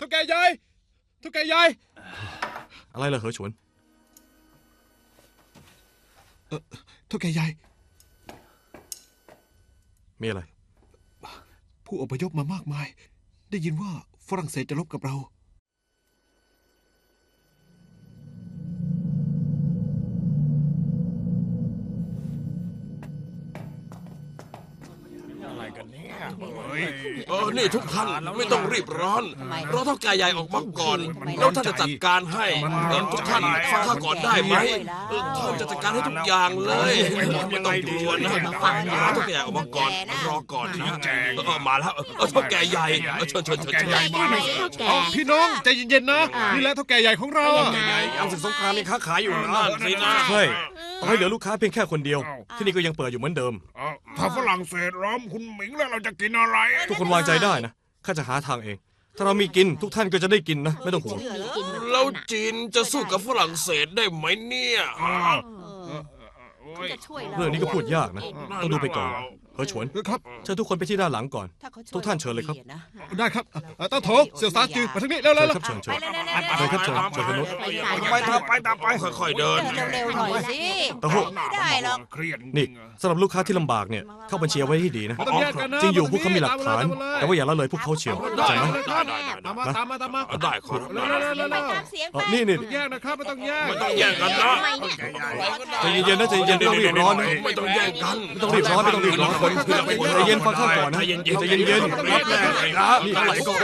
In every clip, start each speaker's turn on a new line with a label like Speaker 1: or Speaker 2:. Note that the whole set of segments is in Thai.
Speaker 1: ท่าแก่ใหญ่เท่าแก่ใหญ่
Speaker 2: อะไรล่ะเหอฉวน
Speaker 1: เท่าแก่ใหญ่
Speaker 2: มีอะไร
Speaker 1: ผู้อพยพมามากมายได้ยินว่าฝรั่งเศสจะรบกับเรา
Speaker 3: นี่ทุกท่านไม่ต้องรีบร้อนรอเท่าแก่ใหญ่ออกมาก่อนแล้วท่านจะจัดการให้ทุกท่านฟังข้าก่อนได้ไหมเขาจะจัดการให้ทุกอย่างเลยไม่ต้องกลัวนะรอเท่าแก่ใหญ่ออกมาก่อนรอก่อนนะมาแล้วเท่าแก่ใหญ่เชิญ
Speaker 1: พี่น้องใจเย็นๆนะนี่แหละเท่าแก่ใหญ่ของเรา
Speaker 3: ยังศึกสงครามยังค้าขายอยู่นะสินะ
Speaker 2: ใช่ต่อให้เหลือลูกค้าเพียงแค่คนเดียวที่นี่ก็ยังเปิดอยู่เหมือนเดิม
Speaker 4: ถ้าฝรั่งเศสล้อมคุณหมิงแล้วเราจะกินอะไร
Speaker 2: ทุกคนวางใจได้นะข้าจะหาทางเองถ้าเรามีกินทุกท่านก็จะได้กินนะไม่ต้องห่วง
Speaker 3: แล้วจีนจะสู้กับฝรั่งเศสได้ไหมเนี่ย
Speaker 2: เรื่องนี้ก็พูดยากนะต้องดูไปก่อนเหอฉวน
Speaker 1: ครับ
Speaker 2: เชิญทุกคนไปที่ด้านหลังก่อนทุกท่านเชิญเลยครับ
Speaker 1: ได้ครับต้าโถเสี่ยวซาจือมาทางนี้เร็วๆ
Speaker 2: ครับเชิญเชิญครับเชิญคุณนุช
Speaker 3: ไปตามไปค่อยๆเดิน
Speaker 5: เร็วๆหน่อยสิ
Speaker 2: ตะโห
Speaker 5: ไม่ได้หรอก
Speaker 2: นี่สำหรับลูกค้าที่ลำบากเนี่ยเข้าบัญชีเอาไว้ให้ดีนะจริงอยู่พวกเขามีหลักฐานแต่ว่าอย่าละเลยพวกเขาเชียวเข้าใจไหม
Speaker 1: ตามมา
Speaker 3: ได้ครับ
Speaker 2: นี่
Speaker 1: แยกนะครับไม่ต้องแยก
Speaker 3: กันนะ
Speaker 2: ใจเย็นๆนะใจเย็นๆไม่ต้องรีบร้อนนะ
Speaker 3: ไม่ต้องแยกกัน
Speaker 2: ไม่ต้องรีบร้อนใจเย็นฟังข้าก่อนนะใจเย็น
Speaker 3: รับแรกเลยนะ
Speaker 2: นี่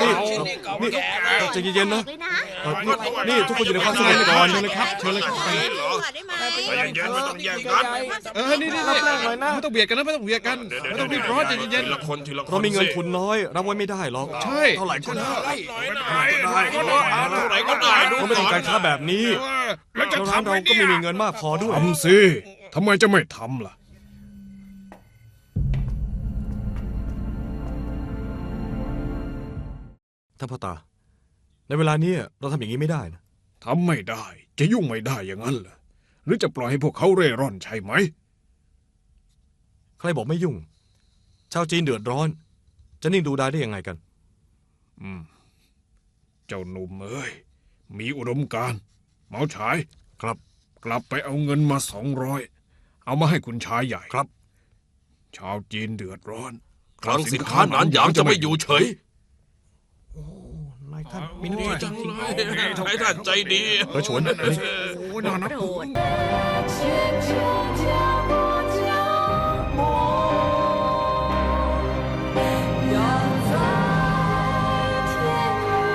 Speaker 2: ใจเย็นนะนี่ทุกคนอยู่ในความสงบก่อนเลยครับเชิญเลยครับ
Speaker 3: ใจเย็นไม่ต้องแยกกัน
Speaker 1: นี่รับแรกเลยนะไม่ต้องเบียดกันนะไม่ต้องเบียดกันไม่ต้องรีบร้อนใจเย็น
Speaker 3: ๆละคนทีละคน
Speaker 2: เรามีเงินทุนน้อยรับไว้ไม่ได้หรอก
Speaker 1: ใช่
Speaker 3: เท่าไหร่ก็ได้เท่าไหร่ก็ได้
Speaker 2: เราไม่ต้องการค้าแบบนี้แล้วร้านเราก็ไม่มีเงินมากพอด้วย
Speaker 4: ทำสิทำไมจะไม่ทำล่ะ
Speaker 2: ท่านพ่อตาในเวลานี้เราทำอย่างนี้ไม่ได้นะ
Speaker 4: ทำไม่ได้จะยุ่งไม่ได้อย่างนั้นเหรอหรือจะปล่อยให้พวกเขาเร่ร่อนใช่ไหม
Speaker 2: ใครบอกไม่ยุ่งชาวจีนเดือดร้อนจะนิ่งดูได้ได้ยังไงกัน
Speaker 4: เจ้าหนุ่มเอ้ยมีอุดมการณ์เหมาฉาย
Speaker 2: ครับ
Speaker 4: กลับไปเอาเงินมา200เอามาให้คุณชายใหญ่
Speaker 2: ครับ
Speaker 4: ชาวจีนเดือดร้อน
Speaker 3: คลังสินค้าหนานหยางจะไม่อยู่เฉย
Speaker 2: นายท่านมีน้ำใจ
Speaker 3: จังเลยนายท่านใจดี
Speaker 2: เหอฉวน
Speaker 4: โอ้น่านับถือ